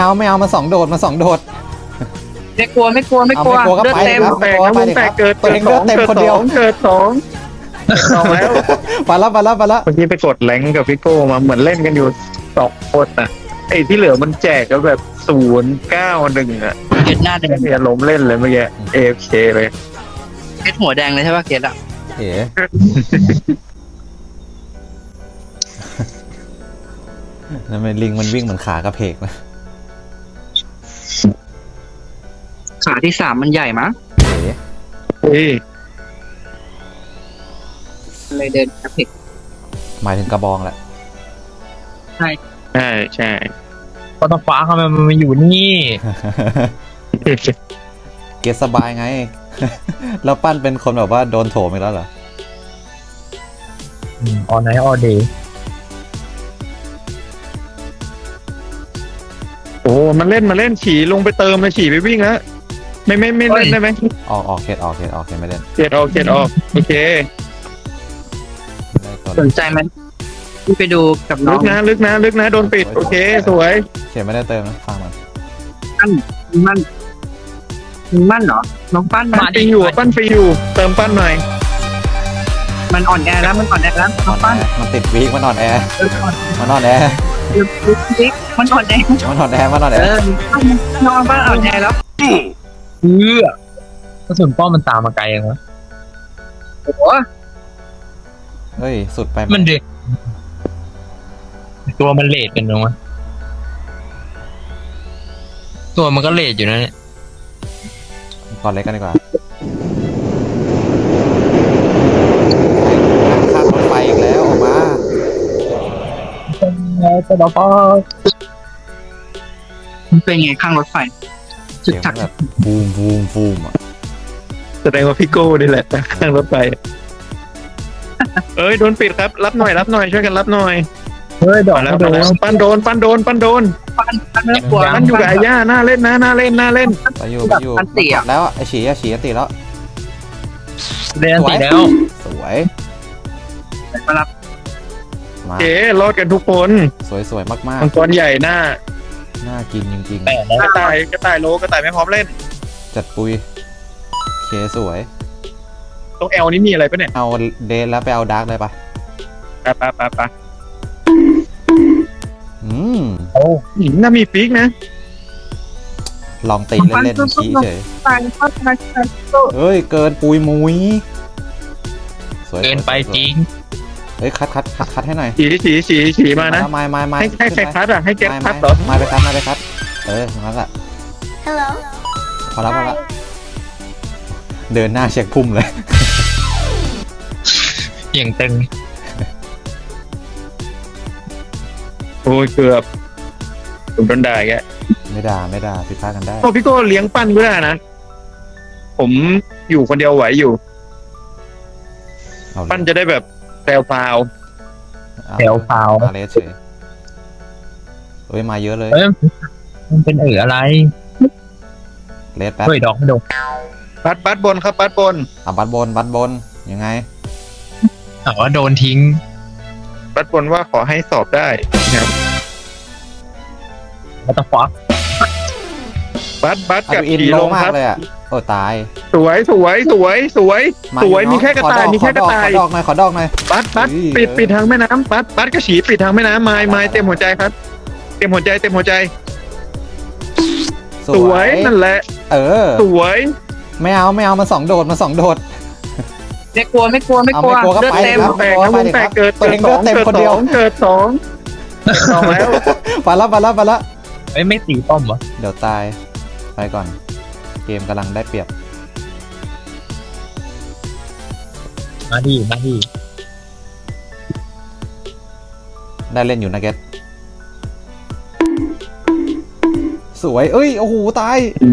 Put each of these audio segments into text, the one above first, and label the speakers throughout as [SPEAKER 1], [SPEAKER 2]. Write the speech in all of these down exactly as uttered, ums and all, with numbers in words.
[SPEAKER 1] เอาไม่เอามาสองโดดมาสองโดด
[SPEAKER 2] ไม่กลัวไม่กลัวไม่กลัว
[SPEAKER 1] เอาไม่กลัวก็
[SPEAKER 2] เลือด
[SPEAKER 1] ไป
[SPEAKER 2] เต็ม
[SPEAKER 1] ครับ
[SPEAKER 3] แตกนะวงแตกเกิด
[SPEAKER 1] ตัวเองเลือดเต็มคนเดียว
[SPEAKER 3] เกิดสองสองแล้ว
[SPEAKER 1] ไปแล้วไปแล้วไปแล้ว
[SPEAKER 3] เมื่อกี้ไปกดแรงกับพี่โก้มาเหมือนเล่นกันอยู่สองคนน่ะไอ้ที่เหลือมันแจกก็แบบศูนย์เก้าหนึ่งอ่ะ
[SPEAKER 2] เกตหน้าแดง
[SPEAKER 3] เนี่ยล้มเล่นเลยเมื่อกี้เอฟเคเลย
[SPEAKER 2] เกตหัวแดงเลยใช่ป่ะเกตอ่ะ
[SPEAKER 1] เอ๋นั่นเป็นลิงมันวิ่งเหมือนขากระเพกนะ
[SPEAKER 2] ขาที่สามมันใหญ่มั้ง
[SPEAKER 1] เอ๋
[SPEAKER 3] เฮ้ย
[SPEAKER 2] เลยเดินกระเพก
[SPEAKER 1] หมายถึงกระบองแหละ
[SPEAKER 2] ใช่
[SPEAKER 3] ใช่ใช่
[SPEAKER 4] พอตฟ้าเขามันมาอยู่นี่
[SPEAKER 1] เกตสบายไง แล้วปั้นเป็นคนแบบว่าโดนโถมอีกแล้วเหรอ
[SPEAKER 4] ออนไนท์ออเดย์
[SPEAKER 3] โอ้มันเล่นมาเล่นขี่ลงไปเติมเลยขี่ไปวิ่งแล้วไม่ไม่ไม่เล่นได้ไหม
[SPEAKER 1] ออกออกเขตออกเขตออกเขตไม่เล่น
[SPEAKER 3] เกียดออกเกียดออกโอเค
[SPEAKER 1] ได้ตัว
[SPEAKER 2] สนใจมันที่ไปดูกับน้
[SPEAKER 3] ลึ
[SPEAKER 2] อง
[SPEAKER 3] กนะลึกนะลึกนะโดนปิดโอเคสวย
[SPEAKER 1] เขตไม่ได้เติมนะฟังมัน
[SPEAKER 2] ปั้นมันมันเหรอน้องปั้น
[SPEAKER 3] ปั้
[SPEAKER 2] มาน
[SPEAKER 3] ฟรีอยู่ปั้นฟรีอยู่เติมปั้นหน่อย
[SPEAKER 2] มันอ่อนแอแล้วมันอ่อนแอแล้ว
[SPEAKER 1] น
[SPEAKER 2] น้
[SPEAKER 1] อ
[SPEAKER 2] อง
[SPEAKER 1] น
[SPEAKER 2] ปั้น
[SPEAKER 1] แอมันติดวีคมันนอนแอร์
[SPEAKER 2] เอออ่อน
[SPEAKER 1] มันนอนแอร์
[SPEAKER 2] มันอ่อนแอ
[SPEAKER 1] มันนอนแอร์มันนอนแอ
[SPEAKER 2] เอ
[SPEAKER 1] ร์
[SPEAKER 2] อน้องปั้นอ่อนแอแล้ว
[SPEAKER 4] เออกระสุนป้อมมันตามมาไกลยังวะ
[SPEAKER 2] โอ้โห
[SPEAKER 1] เฮ้ยสุดไป
[SPEAKER 4] มันเด็กตัวมันเลดกันตรงวะตัวมันก็เลดอยู่นะเนี่ย
[SPEAKER 1] ก่อนเล็กกันดีกว่าข้ามรถไฟอีกแล้วออกมา
[SPEAKER 4] สะดอกป้อ
[SPEAKER 2] มันเป็นไงข้างรถไฟจุ
[SPEAKER 1] เสี
[SPEAKER 2] ด
[SPEAKER 1] ยง
[SPEAKER 2] ถัก
[SPEAKER 1] แบบบูมบูมบูมอ่ะ
[SPEAKER 3] แสดงว่าพี่โก้นี่แหละข้างรถไฟเอ้ยโดนปิดครับรับหน่อยรับหน่อยช่วยกันรับหน่อย
[SPEAKER 4] เฮ้ยดอก
[SPEAKER 3] มาแล้ว
[SPEAKER 4] โด
[SPEAKER 3] มาน แล้วปั้นโดนปั้นโดนปั้นโดน
[SPEAKER 2] ปั้นปั้นไม่กลัว
[SPEAKER 3] ปั้นอยู่กับอาย่าหน้าเล่นนะหน้าเล่นหน้าเล่น
[SPEAKER 1] ไปอยู่ไปอยู่แล้วไอ้ฉีอะฉีอันติแล้ว
[SPEAKER 4] เรียนตีแล้ว
[SPEAKER 1] สวย
[SPEAKER 2] มารับ
[SPEAKER 1] มา
[SPEAKER 3] โอเครอดกันทุกคน
[SPEAKER 1] สวยสวยมาก
[SPEAKER 3] มังกรใหญ่หน้า
[SPEAKER 1] ๆน่ากินจริง
[SPEAKER 4] แปดแล้ว
[SPEAKER 3] กระต่ายกระต่ายโลกระต่ายไม่พร้อมเล่น
[SPEAKER 1] ๆจัดปุยเคสวย
[SPEAKER 3] ตรงแอลนี่มีอะไรปะเนี่ย
[SPEAKER 1] เอาเดนแล้วไปเอาดาร์กเลยปะ
[SPEAKER 3] ไปไปไปไป
[SPEAKER 1] อืม
[SPEAKER 4] โอ้
[SPEAKER 3] หินน่ามีฟิกนะ
[SPEAKER 1] ลองตีเล่นๆชี้เฉย
[SPEAKER 2] ตายเข้าตายตาย
[SPEAKER 1] เฮ้ยเกินปุยมุยสวย
[SPEAKER 4] เกินไปจริง
[SPEAKER 1] เฮ้ยคัดคัดคัดคัดให้หน่อย
[SPEAKER 3] ฉีฉีฉีฉีมานะ
[SPEAKER 1] ไม้ไม้ไม้
[SPEAKER 3] ให้ให้ใครคัดอ่ะให้แก๊ป
[SPEAKER 1] ไม้
[SPEAKER 3] คั
[SPEAKER 1] ไม้
[SPEAKER 3] ดเหรอ
[SPEAKER 1] ไม้ไปคัดไม้ไปคัดเออนั่นแหละ
[SPEAKER 5] Hello.
[SPEAKER 1] พอแล้วพอแล้วเดินหน้าเช็คพุ่มเลย
[SPEAKER 4] อย่างตึง
[SPEAKER 3] โอ้ยเกือบผมโดนด่าแก
[SPEAKER 1] ไม่ด่าไม่ด่าผิดพลาดกันได้
[SPEAKER 3] โอ้พี่โก้เลี้ยงปั้นก็ได้นะผมอยู่คนเดียวไหวอยู่
[SPEAKER 1] เอาเลย
[SPEAKER 3] ปั้นจะได้แบบแซวพราว
[SPEAKER 1] เอา
[SPEAKER 4] แถวเปล่า
[SPEAKER 1] มาเลสเฉยเฮ้ยมาเยอะเลย
[SPEAKER 4] เอ้ยมันเป็นเอ๋ออะไร
[SPEAKER 1] เลสแป๊บ
[SPEAKER 4] เฮ้ยดอกไม่โดน
[SPEAKER 3] บัดบัดบนครับบัดบน
[SPEAKER 1] อ่ะบัตรบนบัตรบนยังไง
[SPEAKER 4] ถามว่าโดนทิ้ง
[SPEAKER 3] บัดบนว่าขอให้สอบได้นะครับ
[SPEAKER 4] วัตฟัก
[SPEAKER 3] บัดบัด
[SPEAKER 1] อา
[SPEAKER 3] กับ
[SPEAKER 1] ดูอิน
[SPEAKER 3] ขี่
[SPEAKER 1] โล
[SPEAKER 3] ลง
[SPEAKER 1] มา
[SPEAKER 3] ค
[SPEAKER 1] ก
[SPEAKER 3] รับ
[SPEAKER 1] เลยอ่ะโอ้ตาย
[SPEAKER 3] สวยสวยสวยสวย
[SPEAKER 1] มา
[SPEAKER 3] สวย
[SPEAKER 1] อ
[SPEAKER 3] มีแค่กระต่าย
[SPEAKER 1] ขอด
[SPEAKER 3] มีแค่กระต่าย
[SPEAKER 1] ขอดอกหน่อยขอดอกหน่อย
[SPEAKER 3] บัดบัด
[SPEAKER 1] เฮ้ย
[SPEAKER 3] ปิด
[SPEAKER 1] เออ
[SPEAKER 3] ปิดทางแม่น้ำบัดบัดก็ฉีปิดทางแม่น้ำไม้ไม้เต็มหัวใจครับ เต็มหัวใจเต็มหัวใจ สวยนั่นแหละ
[SPEAKER 1] เออ
[SPEAKER 3] สวย
[SPEAKER 1] ไม่เอาไม่เอามาสองโดดมาสองโดด
[SPEAKER 2] ไม่กลัวไม่กลัวไม่
[SPEAKER 1] เอา
[SPEAKER 2] กลัว
[SPEAKER 1] ไม่กลัวก็
[SPEAKER 2] เลือด
[SPEAKER 1] ไป
[SPEAKER 2] เต็ม
[SPEAKER 1] ครับ
[SPEAKER 3] แตกนะวงแตกเกิด
[SPEAKER 1] ตัว
[SPEAKER 3] เกิ
[SPEAKER 1] เอ
[SPEAKER 3] ด
[SPEAKER 1] ง
[SPEAKER 3] ส
[SPEAKER 1] เลื
[SPEAKER 3] อ
[SPEAKER 1] อด
[SPEAKER 3] ง
[SPEAKER 1] เต็ม
[SPEAKER 3] เกิด
[SPEAKER 1] คน
[SPEAKER 3] ส
[SPEAKER 1] เดีย
[SPEAKER 3] อ
[SPEAKER 1] ว
[SPEAKER 3] งเกิดสองเกิดสองแล้ว
[SPEAKER 1] ไปแล้วไปแล้วไปแล้ว
[SPEAKER 4] เอ้ยไม่ตีป้อมวะ
[SPEAKER 1] เดี๋ยวตายไปก่อน เกมกำลังได้เปรียบ
[SPEAKER 4] มาดีมาดี
[SPEAKER 1] ได้เล่นอยู่นะเกตสวยเอ้ยโอ้โหตาย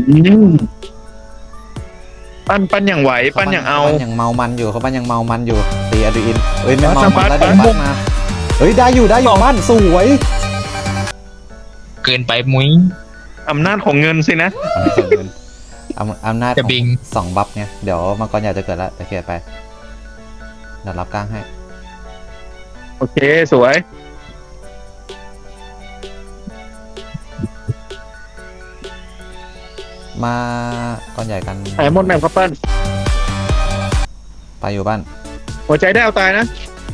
[SPEAKER 3] ปั้นปั้นอย่างไหวปั้นอย่างเอา
[SPEAKER 1] ปั้นอย่างเมามันอยู่เขาปั้นอย่างเมามันอยู่ตีอะดรีอินเอ้ยไม่เมา
[SPEAKER 3] ปั้
[SPEAKER 1] มัน
[SPEAKER 3] น
[SPEAKER 1] แล้ว
[SPEAKER 3] ปั้
[SPEAKER 1] เดี๋ย
[SPEAKER 3] น
[SPEAKER 1] วปั้นมาเฮ้ยได้อยู่ได้อยู่ปั้นสวย
[SPEAKER 4] เกินไปมุ้ย
[SPEAKER 3] อำนาจของเงินสินะ
[SPEAKER 1] อำอำนาจ
[SPEAKER 4] จะบิง
[SPEAKER 1] สองบัฟเนี่ยเดี๋ยวมังกรอยากจะเกิดแล้วจะเขียนไปเดี๋ยวรับกลางให้
[SPEAKER 3] โอเคสวย
[SPEAKER 1] มาก้อนใหญ่กัน
[SPEAKER 3] หายหมดแมปครับปั้น
[SPEAKER 1] ไปอยู่บ้าน
[SPEAKER 3] หัวใจได้เอาตายนะ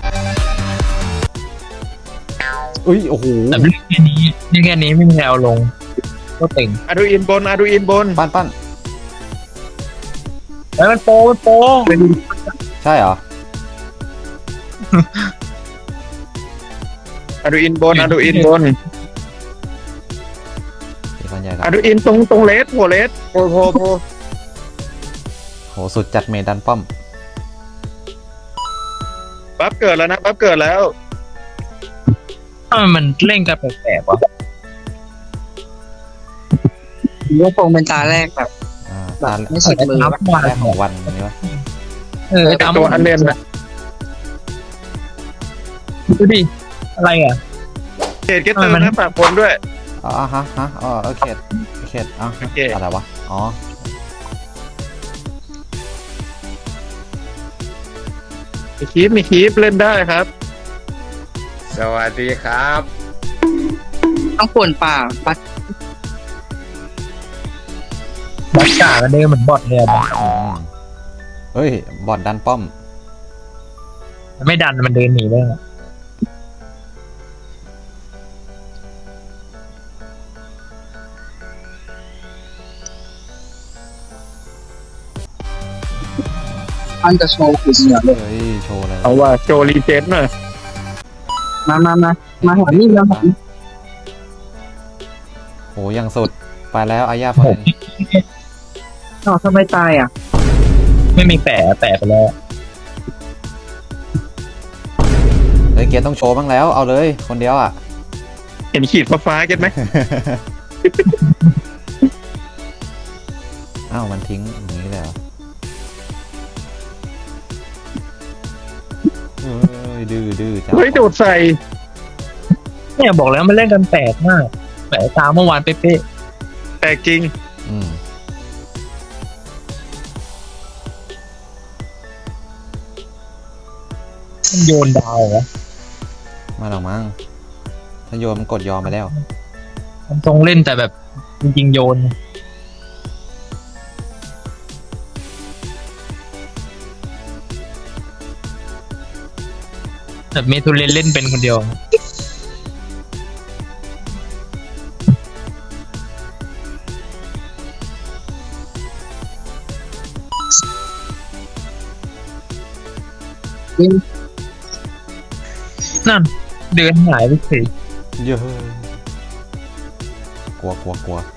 [SPEAKER 1] อุ้ยโอ้โห
[SPEAKER 4] แต่เล่นแค่นี้เล่นแค่นี้ไม่มีแนวลงก็เต็ง
[SPEAKER 3] อาดูอินบนอาดูอินบน
[SPEAKER 1] ปั้นปั้น
[SPEAKER 4] แล้วมันโปมันโป
[SPEAKER 1] ใช่เหรอ
[SPEAKER 3] อาดูอินบนอาดูอินบน
[SPEAKER 1] ตีก้อนใหญ่กั
[SPEAKER 3] อาน ดูอินตรงตรงเลสหัวเลสโพโพโพ
[SPEAKER 1] โหสุดจัดเมดันป้อม
[SPEAKER 3] ปั๊บเกิดแล้วนะปั๊บเกิดแล้ว
[SPEAKER 4] ทำไมมันเล่นกันแปลกๆวะ
[SPEAKER 2] ยกคงเป็นตาแรกแบบ
[SPEAKER 1] อ่า
[SPEAKER 2] แบ
[SPEAKER 1] ตา
[SPEAKER 2] บไม่สุดมือ
[SPEAKER 4] นับวัน
[SPEAKER 1] แรกของวันนี้วะ
[SPEAKER 4] เออไอ้ตาม
[SPEAKER 3] ตัวอันเลนนะ
[SPEAKER 4] ดูดิอะไรอ่ะ
[SPEAKER 3] เกตเกตเติมนะฝากคนด้วย
[SPEAKER 1] อ๋อฮะฮะอ๋อโอเคโอเคอ๋อ
[SPEAKER 3] โอเค
[SPEAKER 1] อะไรวะอ๋อ
[SPEAKER 3] มีคีปมีคีปเล่นได้ครับ
[SPEAKER 5] สวัสดีครับ
[SPEAKER 2] ต้องป่วนป่าปัด
[SPEAKER 4] บัตจ่ากันเดินเหมือนบอทเลยอะ
[SPEAKER 1] อืมเฮ้ยบอดดันป้อม
[SPEAKER 4] มันไม่ดันมันเดินหนีเลยอะ
[SPEAKER 2] อันจะโชว์คือเสียเลย
[SPEAKER 1] เฮ้ยโชว์เลย
[SPEAKER 3] เอาว่าโจรีเจนหน่อย
[SPEAKER 2] มามามามาหานี่มาหา
[SPEAKER 1] โหยังสุดไปแล้วอาญาฟอน
[SPEAKER 2] อ้าวทำไมตายอ่ะ
[SPEAKER 4] ไม่มีแปะแปะไปแล้ว
[SPEAKER 1] เฮ้ยเกียร์ต้องโชว์บ้างแล้วเอาเลยคนเดียวอ่ะ
[SPEAKER 3] เห็นขีดฟ้าๆเก็ตไหม
[SPEAKER 1] อ้าวมันทิ้งอย่างนี้เลยเหรอเฮ้ยดื้อดื้อจ้า
[SPEAKER 3] เฮ้ยโดดใส่
[SPEAKER 4] เนี่ยบอกแล้วมันเล่นกันแปลกมากแปะตามเมื่อวานเป๊ะ
[SPEAKER 3] แต่จริง
[SPEAKER 1] อืม
[SPEAKER 4] ๆมันโยนดาวเหรอ
[SPEAKER 1] มาหรอกมั้งถ้าโยนมันกดยอมไปแล้ว
[SPEAKER 4] มันทรงเล่นแต่แบบจริงๆโยนแบบเมทุเรนเล่นเป็นคนเดียว นั่นเดินหายไปสิ
[SPEAKER 1] เยอะกลัวกลัวกลัว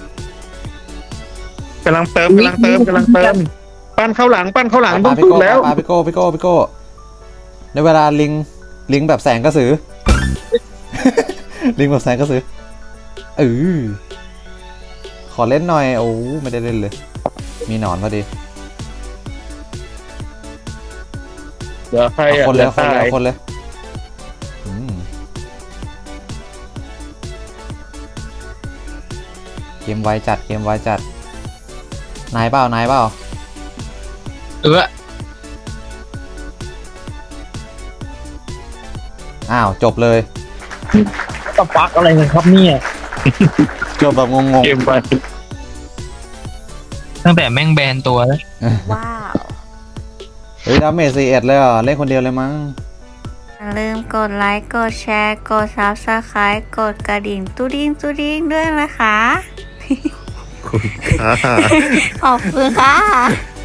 [SPEAKER 3] กำลังเติมกำลังเติมกำลังเติม ปั้นเข้าหลังปั้นเข้าหลัง
[SPEAKER 1] ป
[SPEAKER 3] ต้
[SPEAKER 1] ลา
[SPEAKER 3] อง
[SPEAKER 1] ไป
[SPEAKER 3] พึ่ง
[SPEAKER 1] โก้
[SPEAKER 3] แล้ว
[SPEAKER 1] ปลาไปโก้ไปโก้ไปโก้ในเวลาลิงลิงแบบแสงกระสือ ลิงแบบแสงกระสือเออขอเล่นหน่อยโอ้ไม่ได้เล่นเลย มีหนอนพอดี
[SPEAKER 3] เดี๋ยวใคร
[SPEAKER 1] เอา
[SPEAKER 3] อ่ะ
[SPEAKER 1] คนเลย
[SPEAKER 3] ดี๋
[SPEAKER 1] เอา
[SPEAKER 3] ว
[SPEAKER 1] คนเลย
[SPEAKER 3] ตาย
[SPEAKER 1] เอาคนเลยอืมเกมไวจัดเกมไวจัดนายเปล่านายเปล่า
[SPEAKER 4] เออ
[SPEAKER 1] อ้าวจบเลย
[SPEAKER 4] ตะฟักอะไรกันครับเนี่ย
[SPEAKER 1] จบแบบงง
[SPEAKER 3] เกมไป
[SPEAKER 4] ตั้งแต่แม่งแบนตัวแล้ว
[SPEAKER 1] ๆ
[SPEAKER 6] ว้าว
[SPEAKER 1] เฮ้ยดาเมจสี่เอ็ดเลยเหรอเล่นคนเดียวเลยมั้ง
[SPEAKER 6] อย่าลืมกดไลค์ กดแชร์ กด ซับสไครบ์ กดกระดิ่งตุ้ดิ้งตุ้ดิ้งด้วยนะคะ ขอบคุณค่ะ